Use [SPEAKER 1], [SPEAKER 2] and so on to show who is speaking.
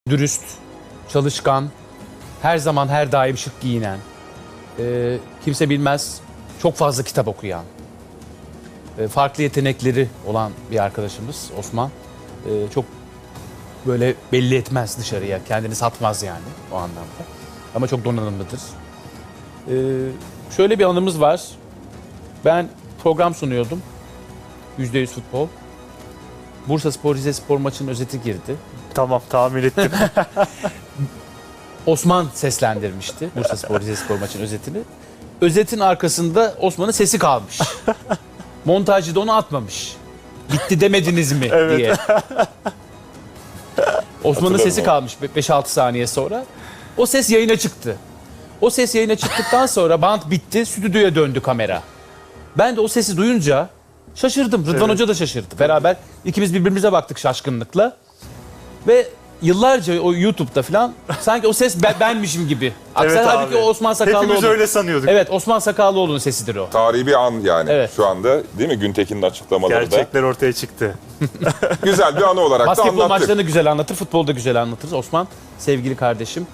[SPEAKER 1] dürüst, çalışkan, her zaman her daim şık giyinen, kimse bilmez çok fazla kitap okuyan, farklı yetenekleri olan bir arkadaşımız Osman. Çok böyle belli etmez dışarıya, kendini satmaz yani o anlamda. Ama çok donanımlıdır. Şöyle bir anımız var. Ben program sunuyordum. %100 futbol. Bursaspor Rizespor maçının özeti girdi.
[SPEAKER 2] Tamam, tahmin ettim.
[SPEAKER 1] Osman seslendirmişti Bursaspor Rizespor maçının özetini. Özetin arkasında Osman'ın sesi kalmış. Montajcı da onu atmamış. Bitti demediniz mi
[SPEAKER 2] Evet.
[SPEAKER 1] diye. Osman'ın sesi kalmış 5-6 saniye sonra. O ses yayına çıktı. O ses yayına çıktıktan sonra bant bitti, stüdyoya döndü kamera. Ben de o sesi duyunca şaşırdım. Rıdvan Hoca da şaşırdı. Beraber ikimiz birbirimize baktık şaşkınlıkla. Ve yıllarca o YouTube'da falan sanki o ses benmişim gibi.
[SPEAKER 2] Evet
[SPEAKER 1] Halbuki
[SPEAKER 2] abi.
[SPEAKER 1] o Osman
[SPEAKER 2] Hepimiz
[SPEAKER 1] Sakallıoğlu.
[SPEAKER 2] öyle sanıyorduk.
[SPEAKER 1] Evet, Osman Sakallıoğlu'nun sesidir o.
[SPEAKER 3] Tarihi bir an yani
[SPEAKER 1] Evet.
[SPEAKER 3] şu anda değil mi? Güntekin'in açıklamaları da.
[SPEAKER 2] Gerçekler ortaya çıktı.
[SPEAKER 3] Güzel bir anı olarak da
[SPEAKER 1] Basketbol
[SPEAKER 3] anlattık.
[SPEAKER 1] maçlarını güzel anlatır, futbolda güzel anlatır. Osman sevgili kardeşim.